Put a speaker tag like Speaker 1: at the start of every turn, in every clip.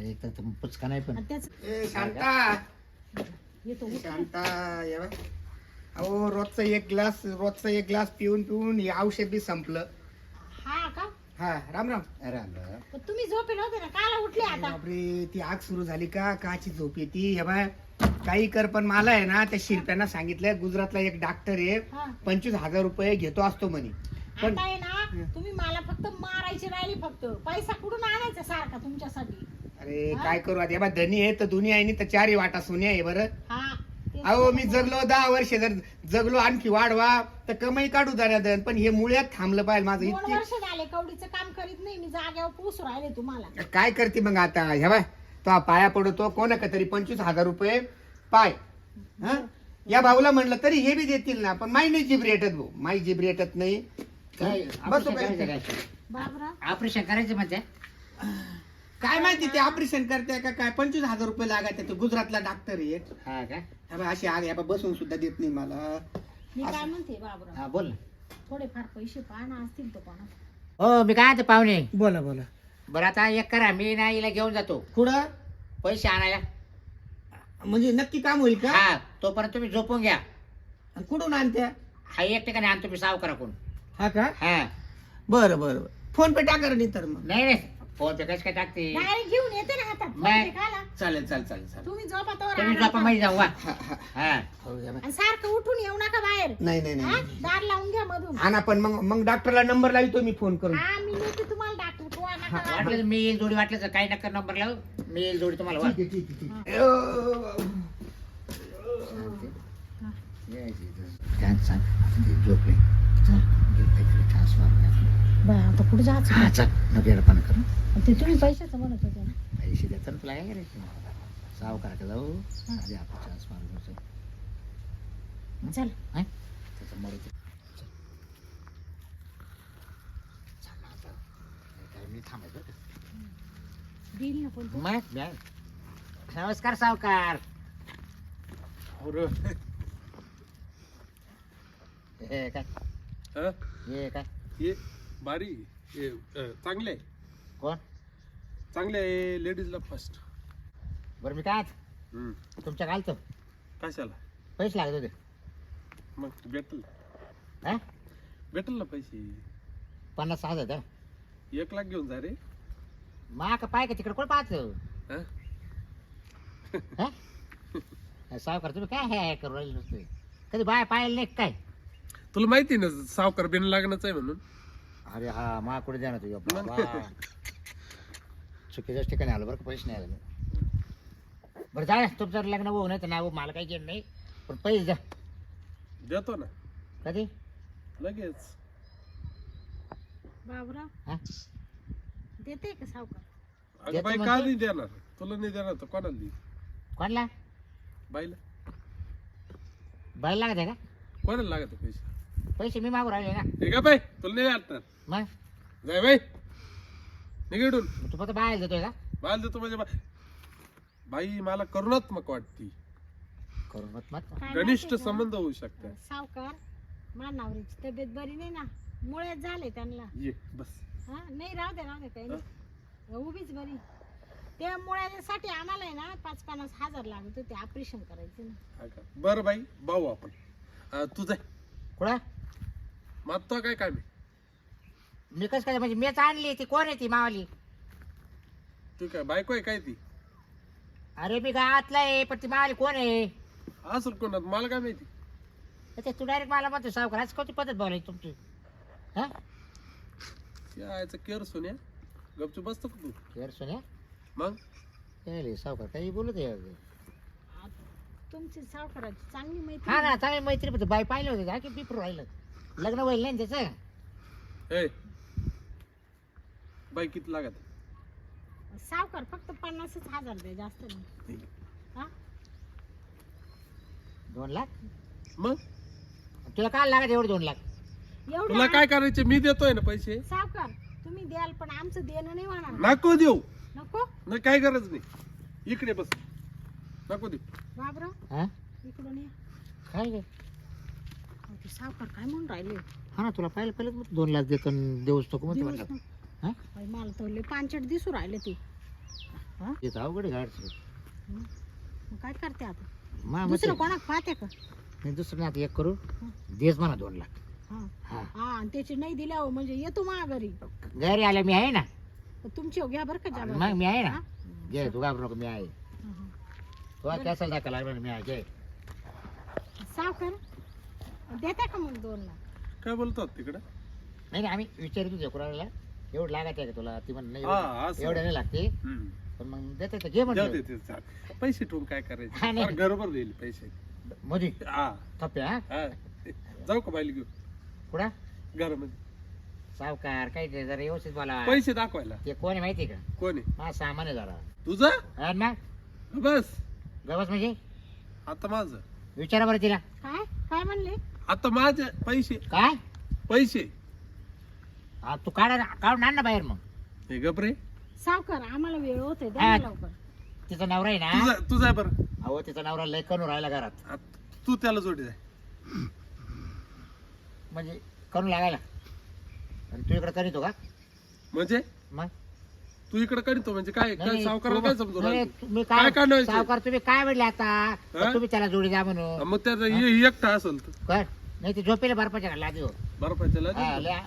Speaker 1: एक तर पुचका नाही पण
Speaker 2: आणि त्याच
Speaker 3: ए शांता
Speaker 2: येतो
Speaker 3: शांता ये बघ. अहो रोजचा एक ग्लास पिऊन पिऊन हे औषध बी संपलं.
Speaker 2: हा का
Speaker 3: हा राम राम.
Speaker 1: अरे अरे
Speaker 2: पण तुम्ही झोपेल होते ना काला उठले आता
Speaker 3: बापरे ती आग सुरू झाली का काची झोप येते हे बाय काही कर पण मला आहे ना त्या शिरप्यांना सांगितलंय गुजरातला एक डॉक्टर आहे
Speaker 2: हा
Speaker 3: 25,000 रुपये घेतो असतो म्हणे. पण
Speaker 2: आता आहे ना तुम्ही मला फक्त मारायची राहिली फक्त पैसा कुठून आणायचा सारखा तुमच्यासाठी
Speaker 3: अरे काय करू आता हे बा धनी आहे तर दुनिया आहे तर चारही वाटा सोन्या आहे बरं.
Speaker 2: हा तेच
Speaker 3: अहो मी
Speaker 2: तर.
Speaker 3: जगलो 10 वर्ष जर जगलो आणखी वाढवा तर कमाई काढू दन पण हे मुळ्यात थांबलं पाहिजे माझं
Speaker 2: 2
Speaker 3: इतकी.
Speaker 2: वर्ष झाले कवडीचं काम करीत नाही मी जाग्यावर पोसू राहिले तुम्हाला
Speaker 3: काय करते मग आता हे बाय तो पाया पडतो कोणा का तरी 25,000 रुपये पाय. हा या भाऊला म्हणलं तरी हे बी देतील ना पण माई नाही जीभ रेटत भाऊ माई जीभ रेटत नाही.
Speaker 1: काय
Speaker 3: बसू
Speaker 1: ऑपरेशन
Speaker 3: काय?
Speaker 1: करायचं काय?
Speaker 2: बाबरा
Speaker 1: ऑपरेशन करायचं म्हणते
Speaker 3: काय माहिती ते ऑपरेशन करते का काय 25,000 रुपये लागायचे तो गुजरातला डॉक्टर आहे.
Speaker 1: हा का
Speaker 3: हे बघ, अशी आग बसून सुद्धा देत नाही मला.
Speaker 2: मी काय म्हणते बाबरा
Speaker 1: हा बोल ना.
Speaker 2: थोडेफार पैसे पाहणं असतील तर पण
Speaker 1: हो मी काय म्हणते पाहुणे
Speaker 3: बोला बोला.
Speaker 1: बरं आता एक करा मी ना हिला घेऊन जातो
Speaker 3: कुठं
Speaker 1: पैसे आणायला
Speaker 3: म्हणजे नक्की काम होईल का
Speaker 1: हा तोपर्यंत तुम्ही झोपून घ्या
Speaker 3: कुठून आणत्या
Speaker 1: हा एक ठिकाणी आणतो मी सावकारा कोण
Speaker 3: हा का
Speaker 1: हा
Speaker 3: बरं बरं फोन पे टाका रे नाही तर मग.
Speaker 1: नाही नाही फोन पे कसं काय टाकते
Speaker 2: डायरेक्ट घेऊन येते ना हातात
Speaker 1: नाही.
Speaker 2: पैसे खाला.
Speaker 3: चालेल चालेल चालेल चालेल.
Speaker 2: तुम्ही झोपा तोवर
Speaker 1: तुम्ही
Speaker 2: आराम
Speaker 1: झोपा
Speaker 2: करा.
Speaker 1: मध्ये जाऊ वा
Speaker 3: हा, हा.
Speaker 1: हा
Speaker 3: हो, या बाय.
Speaker 2: आणि सारखं उठून येऊ नका बाहेर
Speaker 3: नाही नाही
Speaker 2: हा?
Speaker 3: नाही
Speaker 2: दार लावून घ्या मधून
Speaker 3: आणा पण मग डॉक्टरला नंबर लावतो मी फोन करून.
Speaker 2: हा मी नेते तुम्हाला डॉक्टर कोणा नका लावू.
Speaker 1: वाटलं तर मी येईल जोडी वाटलं तर काही नका नंबर लावू मी येईल जोडी तुम्हाला वा.
Speaker 3: ठीक आहे ठीक आहे ठीक आहे.
Speaker 1: काय सांग झोपले चल घे काहीतरी ठास मारून घ्या.
Speaker 2: बा आता कुठे जायचं
Speaker 1: हा चल नको येडपणा करू
Speaker 2: ते तुम्ही पैशाचं म्हणत होते ना
Speaker 1: पैसे देतात ना तुला काय करायचं सावकारा का जाऊ आधी आपण चान्स मारून घ्यायचं
Speaker 2: चल
Speaker 1: हाय त्याचं मरू चल ना आता काय मी थांबायचं बरं का?
Speaker 2: देईल ना पण तो.
Speaker 1: मग बॅग. नमस्कार सावकार हे काय
Speaker 4: हं?
Speaker 1: हे काय
Speaker 4: हे बारी हे चांगले आहे.
Speaker 1: कोण
Speaker 4: चांगले आहे लेडीजला फर्स्ट.
Speaker 1: बरं मी काय तुमच्या घालतो
Speaker 4: कशाला
Speaker 1: पैसे लागत होते
Speaker 4: मग भेटल
Speaker 1: हा
Speaker 4: भेटल ना पैसे
Speaker 1: 50,000 द्या
Speaker 4: 1 लाख घेऊन जा रे.
Speaker 1: मा का पाय का तिकडे कोण पाहतो
Speaker 4: हं?
Speaker 1: सावकार तुम्ही काय हे करू राहिले नुसते कधी बाय पाहिलं नाही काय
Speaker 4: तुला माहिती ना सावकार बिन लागणच आहे म्हणून.
Speaker 1: अरे हा मा कुठे द्या ना तुझ्या बाबा चुकीच्याच ठिकाणी आलो बरं का पैसे नाही आले बरं जा तुमचं लग्न होऊ नाही तर नाही होऊ मला काही घेणं नाही पण पैसे द्या
Speaker 4: देतो ना
Speaker 1: कधी
Speaker 4: लगेच.
Speaker 2: बाबरा
Speaker 1: हा
Speaker 2: देते का सावकार
Speaker 4: अगं
Speaker 1: देतो
Speaker 4: बाई का
Speaker 1: म्हणतो.
Speaker 4: नाही देणार तुला नाही देणार तर कोणाला देईल
Speaker 1: कोणला
Speaker 4: बाईला
Speaker 1: बाय लागत आहे का
Speaker 4: कोणाला लागत पैसे.
Speaker 1: पैसे मी मागू राहिले ना
Speaker 4: हे का बाई तुला नाही वाटणार
Speaker 1: मग
Speaker 4: जाय बाई निघडून
Speaker 1: तू फक्त बाहेर देतोय का
Speaker 4: बाल देतो म्हणजे बाई मला करुणात्मक वाटती.
Speaker 1: करून मत मत
Speaker 2: काय
Speaker 4: घनिष्ठ
Speaker 2: माहिती का?
Speaker 4: संबंध होऊ शकतात.
Speaker 2: सावकार मानावरीची तब्येत बरी नाही ना मुळ्यात झाले त्यांना
Speaker 4: ये बस
Speaker 2: हा नाही राहू दे काही नाही उभीच बरी त्या मुळ्यासाठी आम्हाला आहे ना 50-50 हजार लागत होते ऑपरेशन करायचे ना
Speaker 4: हा का? बरं बाई भाऊ आपण तू जाय
Speaker 1: कुठं
Speaker 4: मागतो काय काय मी
Speaker 1: मी कसं काय म्हणजे मीच आणली ती कोण आहे ती मावाली
Speaker 4: तू काय बायको आहे काय ती
Speaker 1: अरे मी गावातला आहे पण ती मावाली कोण आहे
Speaker 4: असेल कोणात मला काय माहिती.
Speaker 1: तर ते तू डायरेक्ट मला म्हणतो सावकार आज कोणती पद्धत बोलायची तुमची हा
Speaker 4: यायचं केअर सोन्या गपचूप बसतो का तू
Speaker 1: यार सोन्या
Speaker 4: मग
Speaker 1: काय सावकार काही बोलत आहे
Speaker 2: तुमची सावकाराची चांगली
Speaker 1: हा
Speaker 2: माहिती
Speaker 1: ना चांगली मैत्री पण बाई पाहिलं होतं का की पिपरू राहिलं लग्न होईल नाही ना त्याचं
Speaker 4: ए बाई किती लागत
Speaker 2: सावकार फक्त 50 हजार द्या जास्त नाही हा
Speaker 1: 2 लाख
Speaker 4: मग
Speaker 1: तुला काय लागत एवढे 2 लाख
Speaker 4: तुला
Speaker 2: एवढं
Speaker 4: काय करायचे मी देतोय ना पैसे.
Speaker 2: सावकार तुम्ही द्याल पण आमचं देणं नाही होणार
Speaker 4: नको देऊ
Speaker 2: नको
Speaker 4: नाही काय गरज नाही इकडे बस नको देऊ.
Speaker 2: बाबरा
Speaker 1: हा
Speaker 2: इकडून ये
Speaker 1: काय गे
Speaker 2: अहो, ते सावकार काय म्हणून राहिले
Speaker 1: हा ना तुला पहिलं 2 लाख देतो आणि देऊच नको म्हणते
Speaker 2: दिवस
Speaker 1: म्हणलं
Speaker 2: ना.
Speaker 1: हा
Speaker 2: बाई, मला तर लय पांचट दिसू राहिले ते हा?
Speaker 1: येत अवघड गाडचं
Speaker 2: मग काय करते आता
Speaker 1: मा
Speaker 2: दुसरं कोणाक पाहते का
Speaker 1: नाही दुसरं नाही आता एक करू देच म्हणा 2 लाख
Speaker 2: हा
Speaker 1: हा
Speaker 2: हा आणि त्याची नाही दिल्यावर म्हणजे येतो मा घरी
Speaker 1: घरी आल्या मी आहे ना
Speaker 2: तुमची घ्या बरं का जबाबदारी.
Speaker 1: मग मी आहे ना
Speaker 2: हा?
Speaker 1: घे तू घाबरू नको मी आहे
Speaker 2: हा, हा.
Speaker 1: तुला कॅसल दाखवा लागणार मी आहे घे
Speaker 2: सावकार देता का मग 2 लाख
Speaker 4: काय बोलतात तिकडं
Speaker 1: नाही नाही आम्ही विचारित होतो कुणाला एवढं लागत आहे का तुला ती म्हण नाही
Speaker 4: हा,
Speaker 1: एवढं
Speaker 4: असं.
Speaker 1: एवढं नाही लागते
Speaker 4: हम्म.
Speaker 1: पण मग देते तर घे
Speaker 4: जाऊ
Speaker 1: म्हणलं
Speaker 4: दे ते, चाल. पैसे ठेवून काय
Speaker 1: हा,
Speaker 4: करायचं
Speaker 1: नाही.
Speaker 4: फार गडबड देईल पैसे
Speaker 1: मोदी
Speaker 4: हा
Speaker 1: थप्पे हा
Speaker 4: हा जाऊ का बाईल घेऊ
Speaker 1: कुठं
Speaker 4: घरामध्ये
Speaker 1: सावकार काय ते जरा व्यवस्थित बोला
Speaker 4: पैसे दाखवायला
Speaker 1: ते कोण आहे माहिती का
Speaker 4: कोणी
Speaker 1: हा सामान आहे जरा
Speaker 4: तुझा
Speaker 1: हा ना
Speaker 4: बस
Speaker 1: गवस म्हणजे
Speaker 4: आता माझं
Speaker 1: विचारा बरं तिला
Speaker 2: काय काय म्हणले
Speaker 4: आता माझे पैसे
Speaker 1: काय
Speaker 4: पैसे
Speaker 1: हा तू काढून आण ना बाहेर मग
Speaker 4: हे गपरे
Speaker 2: सावकार आम्हाला वेळ होते द्या
Speaker 1: हा.
Speaker 2: ना लवकर
Speaker 1: तिचा नवरा आहे ना
Speaker 4: तुझा आहे बरं
Speaker 1: अहो तिचा नवरा लय करून राहिला घरात
Speaker 4: तू त्याला जोडी जाय
Speaker 1: म्हणजे करून लागायला आणि तू इकडे करीतो का
Speaker 4: म्हणजे
Speaker 1: मग
Speaker 4: तू इकडे करीतो म्हणजे काय काय
Speaker 1: नाही,
Speaker 4: सावकाराला
Speaker 1: तू-
Speaker 4: काय समजू
Speaker 1: नाही,
Speaker 4: राहिलं?
Speaker 1: तुम्ही
Speaker 4: काय
Speaker 1: काय
Speaker 4: काढायचं?
Speaker 1: सावकार तुम्ही काय म्हणले आता
Speaker 4: हा?
Speaker 1: तुम्ही त्याला जोडी द्या म्हणून
Speaker 4: मग त्याचा एकटा असेल तर
Speaker 1: कर नाही ते झोपेला बर्फाच्या घालला देऊ
Speaker 4: बर्फाच्या
Speaker 1: हा,
Speaker 4: लादी
Speaker 1: लय-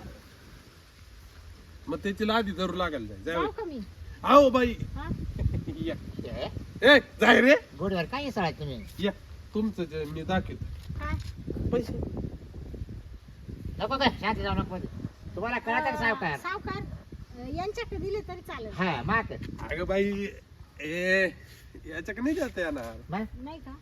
Speaker 4: मग त्याची लादी धरू लागायला जाय
Speaker 2: जाऊ
Speaker 4: जाय
Speaker 2: का मी
Speaker 4: आओ बाई
Speaker 2: हा?
Speaker 4: या
Speaker 1: हे,
Speaker 4: ए जाय रे
Speaker 1: गोडीवर काय सळा तुम्ही
Speaker 4: या तुमचं जे मी दाखवतो
Speaker 2: काय
Speaker 4: पैसे
Speaker 1: नको काय शांती जाऊ नको तुम्हाला कळत का सावकार
Speaker 2: सावकार यांच्याकडे दिले तरी चालेल
Speaker 1: हा माग
Speaker 4: अगं बाई ए याच्याकडे नाही जाता येणार
Speaker 1: मग
Speaker 2: नाही का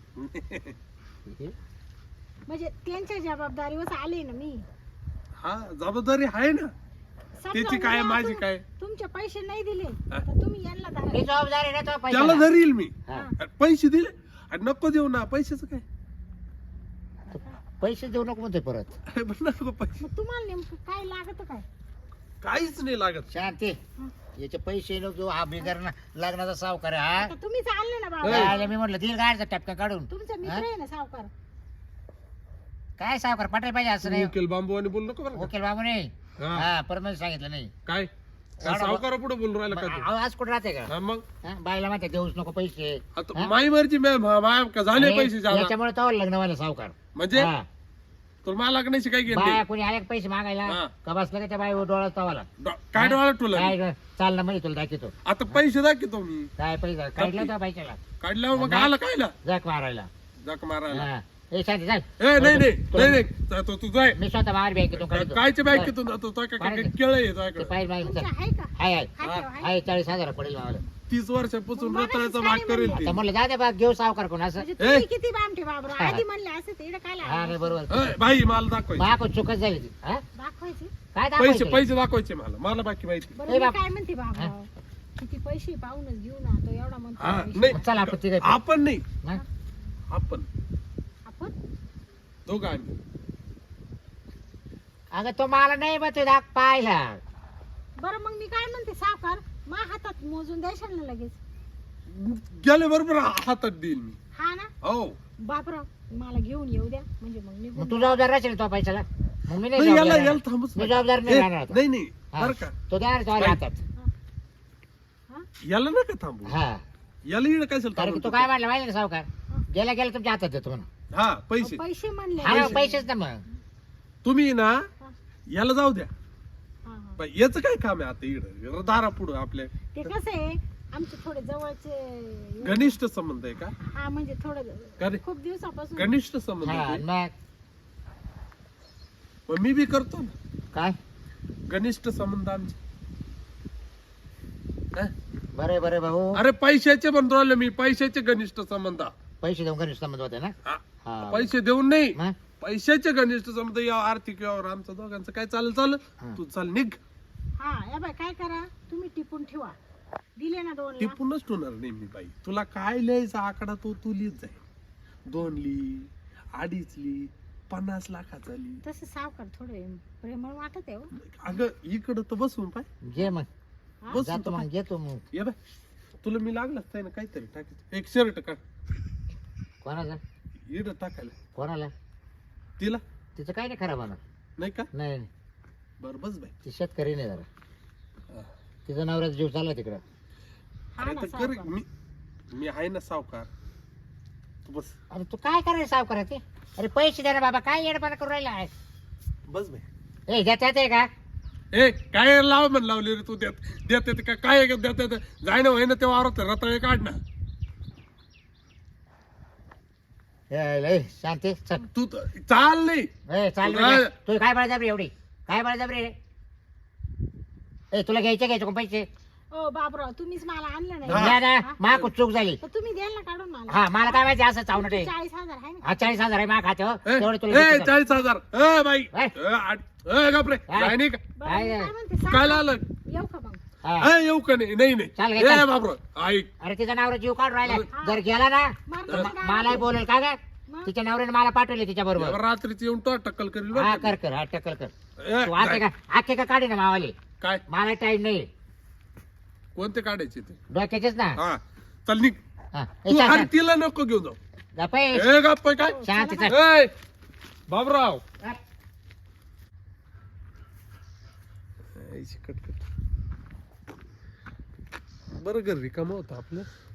Speaker 2: म्हणजे त्यांच्या जबाबदारीवर आले ना मी
Speaker 4: हा जबाबदारी आहे ना
Speaker 2: समजा
Speaker 4: त्याची काय,
Speaker 2: उद्या
Speaker 4: माझी काय?
Speaker 2: तुमचे पैसे नाही दिले
Speaker 4: हा.
Speaker 2: तर तुम्ही यांना धरा.
Speaker 1: मी जबाबदारी ना तो
Speaker 4: त्याला
Speaker 1: पैशाला.
Speaker 4: धरील मी
Speaker 1: हा.
Speaker 4: आणि पैसे दिले आणि नको देऊ ना पैशाचं काय
Speaker 1: पैसे देऊ नको म्हणतोय परत
Speaker 4: अरे पण नको पैसे
Speaker 2: मग तुम्हाला नेमकं काय लागत काय
Speaker 4: काहीच नाही लागत
Speaker 1: शांती
Speaker 2: हा.
Speaker 1: याचे पैसे नको हा बिगर लग्नाचा सावकार आहे, हा
Speaker 2: आता तुम्ही चालले ना बाबा
Speaker 1: काय मी म्हटलं दिल गाडचा टपका काढून
Speaker 2: तुमचा मित्र
Speaker 1: हा?
Speaker 2: आहे ना सावकार
Speaker 1: काय सावकार पटाय पाहिजे असं नाही
Speaker 4: वकील बांबू आणि बोल नको बरं का?
Speaker 1: वकील बाबू नाही
Speaker 4: हा.
Speaker 1: हा परत सांगितलं नाही
Speaker 4: काय सावकारा पुढे बोलून राहिला का तू?
Speaker 1: अहो, आज कुठं राहते का
Speaker 4: हा मग
Speaker 1: हा, बाईला माहिती देऊच नको पैसे
Speaker 4: आता
Speaker 1: हा?
Speaker 4: माई मर्जी माय का झाले
Speaker 1: आणि
Speaker 4: पैसे जादा
Speaker 1: याच्यामुळे तो लग्न व्हायला सावकार
Speaker 4: म्हणजे
Speaker 1: हा.
Speaker 4: तुला मला लागण्याची काय
Speaker 1: बाया
Speaker 4: घेतली
Speaker 1: कोणी आले का पैसे मागायला
Speaker 4: हा.
Speaker 1: का बसलं का त्या बाई डोळा तवाला
Speaker 4: काय डोळा तुला
Speaker 1: काय ग, चाल ना म्हणजे तुला दाखवतो
Speaker 4: आता पैसे दाखवतो मी
Speaker 1: काय पैसे काढला त्या बाईच्याला
Speaker 4: काढल्यावर मग
Speaker 1: नाही.
Speaker 4: आला कायला
Speaker 1: जग मारायला
Speaker 4: जक मारायला
Speaker 1: हा. ए शांती चाल
Speaker 4: ए नाही नाही नाही नाही जातो तू जाय
Speaker 1: मी स्वतः बाहेर बँकेतून काढतो
Speaker 4: कायच्या बँकेतून जातो तो काय
Speaker 1: काढतो.
Speaker 4: केळ आहे
Speaker 1: ते
Speaker 4: तुझ्याकडे
Speaker 1: पाहिजे मागे
Speaker 2: तुमचा
Speaker 1: चल.
Speaker 2: आहे का
Speaker 1: हाय हाय
Speaker 2: हाय का? हाय?
Speaker 1: हाय 40,000 पडेल मावाला
Speaker 4: 30 वर्षापासून
Speaker 2: मग
Speaker 4: रताळ्याचा
Speaker 2: मगाशीच
Speaker 4: भाग
Speaker 2: काय
Speaker 4: करेल
Speaker 2: म्हणले?
Speaker 4: ती
Speaker 1: तर म्हणलं जा दे बा घेऊ सावकार कोण असं
Speaker 2: म्हणजे तुम्ही किती बामठे बाबरा
Speaker 1: हा.
Speaker 2: आधी म्हणले असं ते इकडे काय
Speaker 1: हा नाही
Speaker 2: लागलं?
Speaker 1: बरोबर
Speaker 4: ए, बाई मला दाखवायचे
Speaker 1: माको चुकच झाली ती हा
Speaker 2: दाखवायचे
Speaker 1: काय
Speaker 4: पैसे
Speaker 1: दाखवायचं?
Speaker 4: पैसे दाखवायचे मला बाकी माहिती
Speaker 2: बरं
Speaker 1: ए
Speaker 2: मी
Speaker 1: बाप.
Speaker 2: काय म्हणते बाबा किती पैसे पाहूनच घेऊ ना तो एवढा
Speaker 4: हा
Speaker 2: म्हणतो
Speaker 4: नाही
Speaker 1: चल आपण तिघं जाऊ.
Speaker 4: आपण नाही
Speaker 1: हा?
Speaker 4: आपण
Speaker 2: आपण
Speaker 4: दोघं आम्ही
Speaker 1: अगं तो मला नाही बा दाख पाहिला
Speaker 2: बरं मग मी काय म्हणते सावकार मा हातात मोजून द्यायचं ना लगेच
Speaker 4: गेले बरोबर हातात देईल मी
Speaker 2: हा ना
Speaker 4: हो
Speaker 2: बापरा मला घेऊन येऊ द्या म्हणजे मग
Speaker 1: मग
Speaker 2: निघून
Speaker 1: तू जबाबदार राहशील तो पैशाला मग मी नाही
Speaker 4: नाही, याला
Speaker 1: जबाबदार
Speaker 4: याला
Speaker 1: राहणार.
Speaker 4: थांबच
Speaker 1: मी जबाबदार नाही
Speaker 4: ए,
Speaker 1: राहणार आता.
Speaker 4: नाही नाही
Speaker 1: हा.
Speaker 4: बरं का
Speaker 1: तो द्या तो
Speaker 4: बाई.
Speaker 1: हातात
Speaker 2: हा?
Speaker 4: याला नका थांबू
Speaker 1: हा
Speaker 4: याला इकडे काय
Speaker 1: कारण की तो काय म्हणला माहिती ना सावकार गेला गेला तुमच्या हातात देतो म्हणून
Speaker 4: हा पैसे
Speaker 2: पैसे म्हणले
Speaker 1: हा ना, पैसेच ना मग
Speaker 4: तुम्ही ना याला जाऊ द्या
Speaker 2: हा, हा.
Speaker 4: बाई, याचं काय काम आहे आता इकडे दारा पुढं आपल्या
Speaker 2: ते कसं आहे आमचे थोडे जवळचे
Speaker 4: घनिष्ठ संबंध आहे का
Speaker 2: हा म्हणजे थोडं
Speaker 4: गणि-
Speaker 2: खूप दिवसापासून
Speaker 4: घनिष्ठ संबंध
Speaker 1: हा
Speaker 4: आहे ते?
Speaker 1: मग
Speaker 4: मग मी बी करतो ना
Speaker 1: काय
Speaker 4: घनिष्ठ संबंध आमचे हा?
Speaker 1: बरे बरे भाऊ
Speaker 4: अरे पैशाचे म्हणतो राहिलो मी पैशाचे घनिष्ठ संबंध
Speaker 1: पैसे देऊन घरी संबंध होते ना
Speaker 4: हा.
Speaker 1: हा
Speaker 4: पैसे देऊन नाही
Speaker 1: मग
Speaker 4: पैशाचे घनिष्ठ संबंध या आर्थिक व्यवहार आमचं दोघांचं काय चालेल
Speaker 1: हा.
Speaker 4: तू चाल निघ
Speaker 2: हा या बाय काय करा तुम्ही टिपून ठेवा दिले ना 2 लाख
Speaker 4: टिपूनच ठेवणार नाही मी बाई तुला काय लिहायचा आकडा तो तू लिहित जाईल 2 ली 2.5 ली 50 लाखाचा ली
Speaker 2: तसं सावकार थोडे प्रेमळ वाटत आहे हो.
Speaker 4: अगं इकडं तर बसून पाय
Speaker 1: घे मग
Speaker 2: हा?
Speaker 4: बसून
Speaker 1: जातो
Speaker 4: तर
Speaker 1: मग घेतो मग
Speaker 4: पाय. ये बाय तुला मी लागलाच नाही ना काहीतरी टाकायचं एक शर्ट काढ
Speaker 1: कोणाला
Speaker 4: इकडं टाकायला
Speaker 1: कोणाला
Speaker 4: तिला
Speaker 1: तिचं काय नाही खराब होणार
Speaker 4: नाही का
Speaker 1: नाही नाही.
Speaker 4: बर बस बाई
Speaker 1: ती शेतकरी नाही जरा
Speaker 4: हा.
Speaker 1: तिचा नवऱ्याचा जीव चालला तिकडं
Speaker 2: हा
Speaker 4: अरे
Speaker 2: ना
Speaker 4: तर कर
Speaker 2: सावकार.
Speaker 4: मी आहे ना सावकार तू बस
Speaker 1: अरे तू काय करायला सावकार ते? अरे पैसे द्या ना बाबा, काय येडपणा करून राहिला आहे?
Speaker 4: बस भाई
Speaker 1: ए देता येते का?
Speaker 4: ए काय लाव म्हण लावली रे तू देत का काय देत जाय ना होय ना तेव्हा वावरात रताळे काढ ना
Speaker 1: लय शांती चल.
Speaker 4: तू चाल नाही
Speaker 1: ए चाल
Speaker 4: तू काय-
Speaker 1: तू काय बळजबरी एवढी? काय बळजबरी रे? ए तुला घ्यायचे कोण पैसे?
Speaker 2: ओ बाबराव तुम्हीच मला आणलं
Speaker 4: हा.
Speaker 1: द्या
Speaker 2: नाही
Speaker 1: ना, मा खूप चूक झाली.
Speaker 2: तर तुम्ही द्याल ना काढून मला.
Speaker 1: हा मला काय माहिती असं चावणं ते.
Speaker 2: 40,000 आहे ना.
Speaker 1: हा 40,000 आहे मा खात्यावर
Speaker 4: ए,
Speaker 1: तेवढे तुला
Speaker 4: ए,
Speaker 1: देतो.
Speaker 4: 40,000 ए बाई
Speaker 1: ए.
Speaker 4: गपरे
Speaker 1: काय?
Speaker 4: जाय नाही का
Speaker 2: बरं,
Speaker 1: काय
Speaker 2: मी
Speaker 1: आहे?
Speaker 2: काय म्हणते,
Speaker 4: तू
Speaker 2: सांग.
Speaker 4: काय आलं
Speaker 2: येऊ का मग?
Speaker 1: हा.
Speaker 4: येऊ का नाही नाही
Speaker 1: चाल
Speaker 4: नाही
Speaker 1: घे, चाल.
Speaker 4: ए बाबर ऐक
Speaker 1: अरे तिचा नवरा जीव काढून राहिला.
Speaker 2: हा.
Speaker 1: जर गेला ना
Speaker 2: मग
Speaker 1: तर
Speaker 2: काय
Speaker 1: मलाही बोलेल का ग?
Speaker 2: मग?
Speaker 1: तिच्या नवऱ्याने मला पाठवले तिच्या बरोबर.
Speaker 4: रात्रीची येऊन तो टक्कल करील बरं
Speaker 1: हा
Speaker 4: का?
Speaker 1: कर हा टक्कल कर.
Speaker 4: ए,
Speaker 1: तू आखे
Speaker 4: जाय.
Speaker 1: का आखे का काढे ना मावाले.
Speaker 4: काय
Speaker 1: मला टाइम नाही.
Speaker 4: कोणते काढायचे ते
Speaker 1: डोक्याचेच ना.
Speaker 4: हा चल निघ
Speaker 1: हा. ए,
Speaker 4: तू
Speaker 1: चाल,
Speaker 4: अरे
Speaker 1: चाल.
Speaker 4: तिला नको घेऊन जाऊ
Speaker 1: गप्प आहे.
Speaker 4: ए गप्प काय
Speaker 1: शांती चाल.
Speaker 4: ए बाबराव
Speaker 1: हा.
Speaker 4: कटकट बरं घर रिकाम होतं आपलं